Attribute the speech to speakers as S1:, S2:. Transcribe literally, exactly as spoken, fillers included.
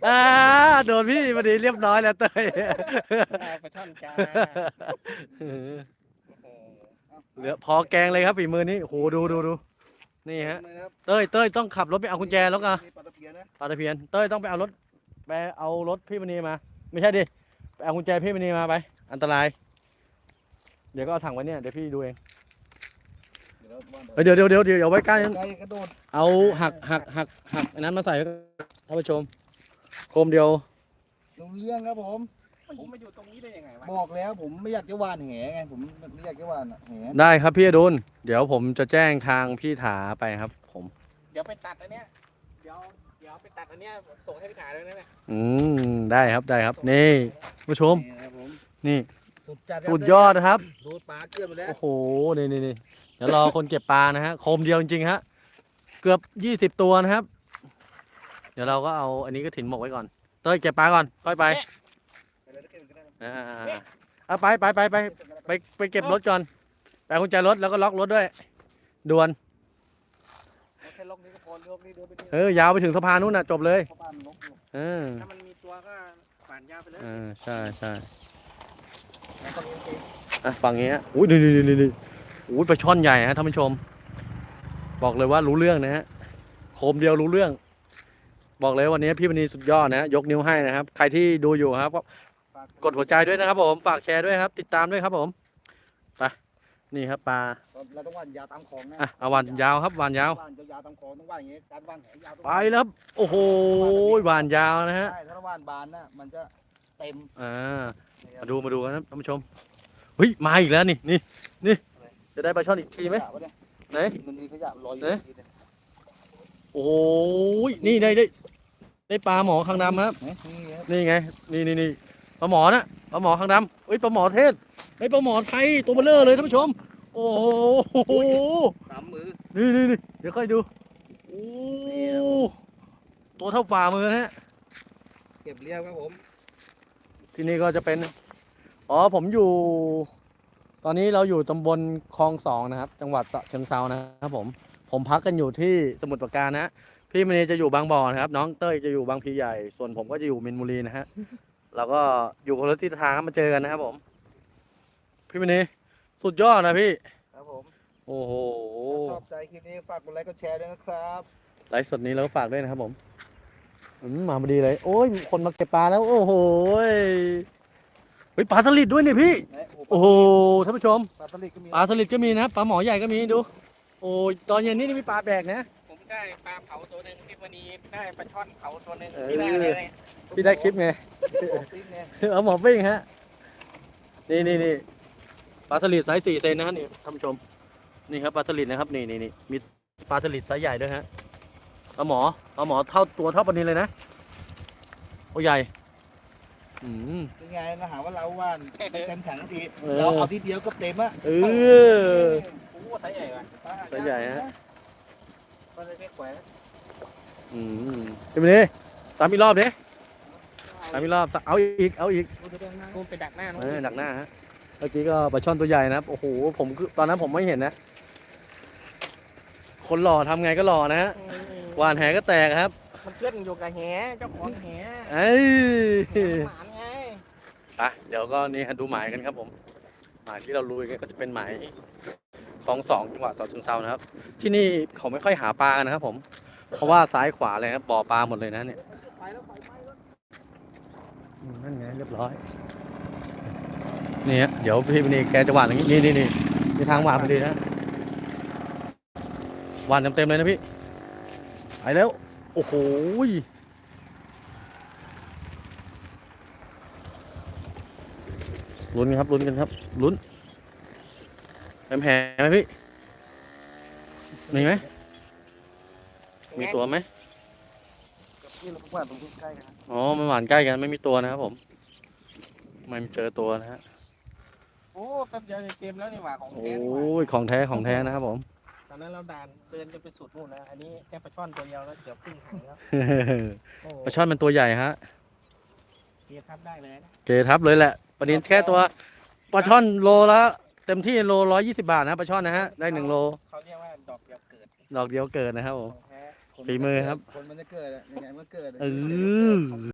S1: อ่าโดนพี่พอดีเรียบร้อยแล้วเต้ย
S2: ได้ปลาช่อนจ้าโอ้โห
S1: เหลือพอแกงเลยครับฝีมือนี้โอ้โหดูดูดูนี่ฮะ
S3: เลยนะครับ
S1: เต้ยเต้ยต้องขับรถไปเอากุญแจแล้วกัน
S3: มีปลาตะเพียนนะ
S1: ปลาตะเพียนเต้ยต้องไปเอารถไปเอารถพี่มณีมา ไม่ใช่ดิไปเอากุญแจพี่มณีมาไป อันตราย เดี๋ยวก็เอาถังไว้เนี่ยเดี๋ยวพี่ดูเอง
S3: เดี๋ยวเราว่า
S1: เอ้ยเดี๋ยวเดี๋ยวเดี๋ยวเดี๋ยวเอาไว้ใกล้
S3: ไก่กระโดด
S1: เอาหักหักหักหักอันนั้นมาใส่ท่านผู้ชมโคมเดียว
S3: ลงเรื่องครับผม
S2: ผมมาอยู่ตรงนี้ได้ยังไงวะ
S3: บอกแล้วผมไม่อยากจะหวานแหไงผมไม่อยากจะหวานอะแห
S1: ได้ครับพี่อดุลเดี๋ยวผมจะแจ้งทางพี่ถาไปครับ ผม
S2: เดี๋ยวไปตัดอันเนี้ยเดี๋ยวเดี๋ยวไปตัดอันเนี้ยส่งให้พี่ขายเลยนะเนี่ย
S1: อืมได้ครับได้ครับนี่ผู้ชม
S3: นี่นะครับผม
S1: นี่
S3: สุดจัดครับ
S1: สุดยอดนะครับ
S3: ดูปลาเกลือนหมดแล้ว
S1: โอ้โหนี่นี่นี่เดี๋ยวรอคนเก็บปลานะฮะโคมเดียวจริงๆฮะเกือบยี่สิบตัวนะครับ เดี๋ยวเราก็เอาอันนี้ก็ถิ่นหมกไว้ก่อนเต้ยเก็บปลาก่อนค่อยไป
S3: ไปเลยเก็บกันได้
S1: อ่าเอาไปไปไปไปไปไปเก็บรถก่อนไปเอากุญแจรถแล้วก็ล็อกรถด้วยด่วน
S2: ไม่ใช่ลกนี้ก็พอลกนี้เดินไปนี่
S1: เออยาวไปถึงสะพานนู้นน่ะจบเลย
S3: เพราะบ้านนกอยู่
S1: เออ
S2: ถ้ามันมีตัวก็ผ่านยาวไปเลย
S1: อ่าใช่ใช่
S3: แล้วก็เลี้ยงเอง
S1: อ่ะฝั่งนี้ฮะอุ้ยนี่นี่นี่นี่อุ้ยปลาช่อนใหญ่ฮะท่านผู้ชม บอกเลยว่ารู้เรื่องนะฮะโคมเดียวรู้เรื่อง บอกเลยวันนี้พี่มณีสุดยอดนะฮะยกนิ้วให้นะครับ ใครที่ดูอยู่ครับก็
S3: ฝาก
S1: กดหัวใจด้วยนะครับผมฝากแชร์ด้วยครับ ติดตามด้วยครับผมไปนี่ครับปลา
S3: เราต้องหวานยาวตามคลองนะ
S1: อ่ะเอาวันยาวครับวันยาว
S3: หวานยาวๆตามคลองต้องหวานอย่างงี้การหวานแหยาวต้อง
S1: ไปแล้วครับโอ้โหหวานยาวนะฮะ
S3: ใช่ถ้าหวานบานนะมันจะเต็ม
S1: อ่ามาดูมาดูกันครับท่านผู้ชมเฮ้ยมาอีกแล้วนี่นี่นี่จะได้ปลาช่อนอีกทีไหม
S3: ขยะวะเนี่ย
S1: ไหน
S3: มันมีขยะลอยอยู่
S1: ไหน
S3: ที่เนี่ย
S1: โอ้โหนี่ได้ได้ได้ปลาหมอคางดำครับ
S3: นี่ครับ
S1: นี่ไงนี่นี่นี่ปลาหมอนะปลาหมอคางดำเฮ้ยปลาหมอเทศเฮ้ยปลาหมอไทยตัวเบลเลอร์เลยท่านผู้ชม โอ้โห
S3: สามมือ
S1: นี่นี่นี่เดี๋ยวค่อยดูโอ้ตัวเท่าฝ่ามือนะฮะ
S3: เก็บเรียบครับผม
S1: ที่นี่ก็จะเป็นอ๋อผมอยู่ ตอนนี้เราอยู่ตำบลคลองสองนะครับ จังหวัดฉะเชิงเทรานะครับผมผมพักกันอยู่ที่สมุทรปราการนะพี่มณีจะอยู่บางบ่อนะครับ น้องเต้ยจะอยู่บางพลีใหญ่ ส่วนผมก็จะอยู่มินบุรีนะฮะเราก็อยู่คนละทิศทางครับมาเจอกันนะครับผม พี่มณีสุดยอดนะพี่
S3: ครับผม
S1: โอ้โห
S3: ถ้าชอบใจคลิปนี้ฝากกดไลค์กดแชร์ด้วยนะครับ
S1: ไลฟ์สดนี้เราก็ฝากด้วยนะครับผมอืมมาพอดีเลย โอ้ยมีคนมาเก็บปลาแล้ว โอ้โหยเฮ้ยปลาสลิดด้วยเนี่ยพี่
S3: ไหน
S1: โอ้โหท่านผู้ชม
S3: ปลาสลิดก็มี
S1: ปลาสลิดก็มีนะปลาหมอใหญ่ก็มีดู โอ้ยตอนเย็นนี่นี่มีปลาแบกนะ
S2: ผมได้ปลาเผาตัวหนึ่งที่วันนี้ได้ปลาช่อนเผาตัวหนึ่ง
S1: เออ
S2: ที่ได้อะไรเนี่ย
S1: พี่ได้คลิปไง
S3: ของติ๊กไง
S1: เอาหมอปิ้งฮะ นี่นี่นี่ปลาสลิดไซส์สี่เซนนะฮะนี่ท่านผู้ชม นี่ครับปลาสลิดนะครับนี่นี่นี่มีปลาสลิดไซส์ใหญ่ด้วยฮะปลาหมอปลาหมอเท่าตัวเท่าปลานิลเลยนะโอ้ใหญ่ อืม
S3: เป็นไงมาหาว่าเราว่านไม่เต็มถังที
S1: เออ
S3: เราเอาทีเดียวก็เต็มอะ
S1: เออ
S2: โอ้โหไซส์ใหญ่ว่ะ
S1: ไซส์ใหญ่ฮะ
S2: ก็เลยไม่แขวน
S1: อืมเป็นไงสามอีกรอบดิสามอีกรอบเอาอีกเอาอีก
S2: กูไปดักหน้าน้อง
S1: เออดักหน้าฮะเมื่อกี้ก็ปลาช่อนตัวใหญ่นะครับโอ้โหผมคือตอนนั้นผมไม่เห็นนะ คนหล่อทำไงก็หล่อนะฮะหวานแหก็แตกครับ
S2: มันเพื่อนอยู่กับแหเจ้าของแห
S1: เอ้ย
S2: หมานไง
S1: ไปเดี๋ยวก็นี่ฮะดูหมายกันครับผม หมายที่เราลุยกันก็จะเป็นหมายคลองสองจังหวัดฉะเชิงเทรานะครับ ที่นี่เขาไม่ค่อยหาปลากันนะครับผม เพราะว่าซ้ายขวาเลยครับบ่อปลาหมดเลยนะเนี่ย
S3: ไปแล้วไปไปแล้ว
S1: อืมนั่นไงเรียบร้อยนี่ฮะเดี๋ยวพี่ปนีแกจะหวานอย่างนี้นี่นี่นี่มีทางหวานพอดีนะหวานเต็มๆเลยนะพี่ไปแล้วโอ้โหลุ้นกันครับลุ้นกันครับลุ้นแหมแหมไหมพี่มีไหมมีตัวไหม
S3: นี่เราว่านตรงใกล้ๆกันนะ
S1: อ๋อมันหวานใกล้กันไม่มีตัวนะครับผมไม่เจอตัวนะฮะ
S2: โอ้แป๊บเดียวจะเต็มแล้วนี่หว่าของ
S1: โอ้
S2: แท้นี่หว่า
S1: ยของแท้ของแท้นะครับผม
S2: ตอนนั้นเราด่านเดินจะไปสุดนู่นนะอันนี้แค่ปลาช่อนตัวเดียวแล้วเดี๋ยวครึ่งถังแล้วโอ้
S1: ปลาช่อนมันตัวใหญ่ฮะ
S2: เกียร์ทับได้เลยนะ
S1: เกทับเลยแหละประเด็นแค่ตัวปลาช่อนโลละเต็มที่โลร้อยยี่สิบบาทนะปลาช่อนนะฮะได้หนึ่งโล
S2: เขาเรียกว่าดอกเดียวเกิด
S1: ดอกเดียวเกิดนะครับผ
S2: ข
S1: ม
S2: องแท้
S1: ฝีมือครับ
S3: คนมันจะเกิดอะยังไงมันเกิดอะ
S1: เออ